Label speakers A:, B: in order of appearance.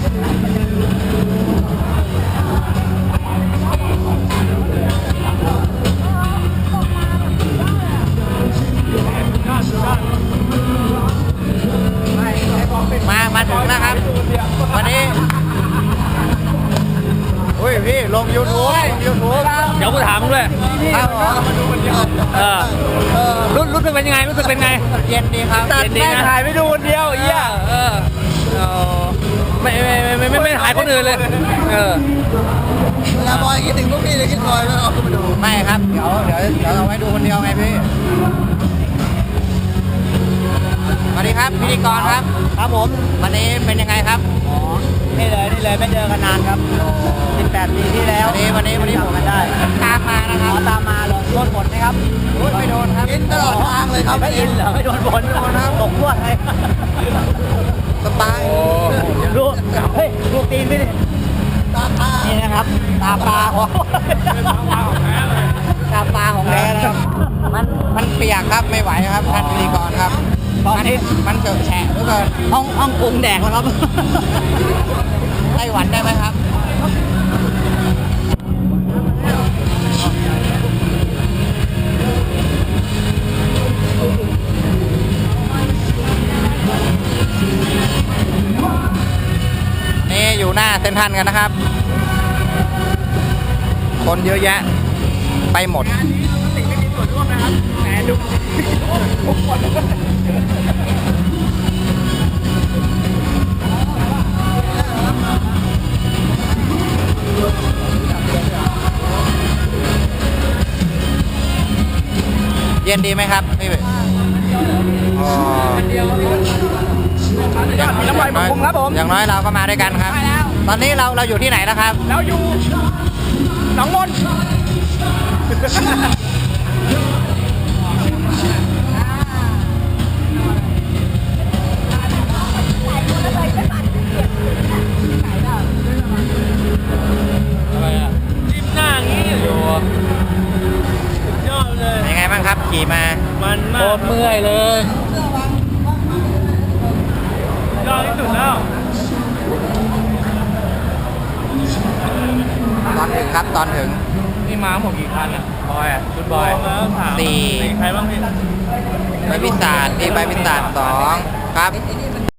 A: มาถึงแล้วครับวันนี้อุ้ยพี่ลง YouTube เดี๋ยวกูถามด้วยครับมาดูคนเดียวรู้สึกเป็นยังไงเย็นดีครับเย็นดีนะถ่ายไม่ดูคนเดียวเหี้ยไม่ถ่ายคนอื่นเลยเวลาบอยคิดถึงพวกพี่เลยคิดบอยแล้วเอามาดูไม่ครับเดี๋ยวเอาไว้ดูคนเดียวไงพี่สวัสดีครับพิธีกรครับครับผมวันนี้เป็นยังไงครับอ๋อนี่เลยไม่เจอกันนานครับ18 ปีที่แล้ววันนี้ผมกันได้ตามมานะครับตามมาเลยโดนฝนไหมครับไม่โดนครับอินตลอดทางเลยครับไม่อินเหรอไม่โดนฝนนะครับตกลวดเลยสบายดูเฮ้ยดูตีนไม่ดินี่นะครับตาปลาของแท้นะครับมันเปียกครับไม่ไหวครับท่านพิธีกรครับตอนนี้มันเจอแฉะทุกคนห้องปรุงแดกแล้วครับไต้หวันได้ไหมครับนี่อยู่หน้าเซ็นทรัลกันนะครับคนเยอะแยะไปหมดไม่มีส่วนร่วมนะครับแต่ดูเย็นดีไหมครับพี่อย่างน้อยเราก็มาด้วยกันครับตอนนี้เราอยู่ที่ไหนแล้วครับเราอยู่หนองมนจิ้มหน้างี้อยู่ยอดเลยยังไงบ้างครับขี่มามันมากโคตรเมื่อยเลยยอดที่สุดแล้วตอนถึงครับตอนถึงนี่มาหมดกี่คันอ่ะบอยอ่ะชุดบอย4ใครบ้างพี่ใบพิศาจ2ครับ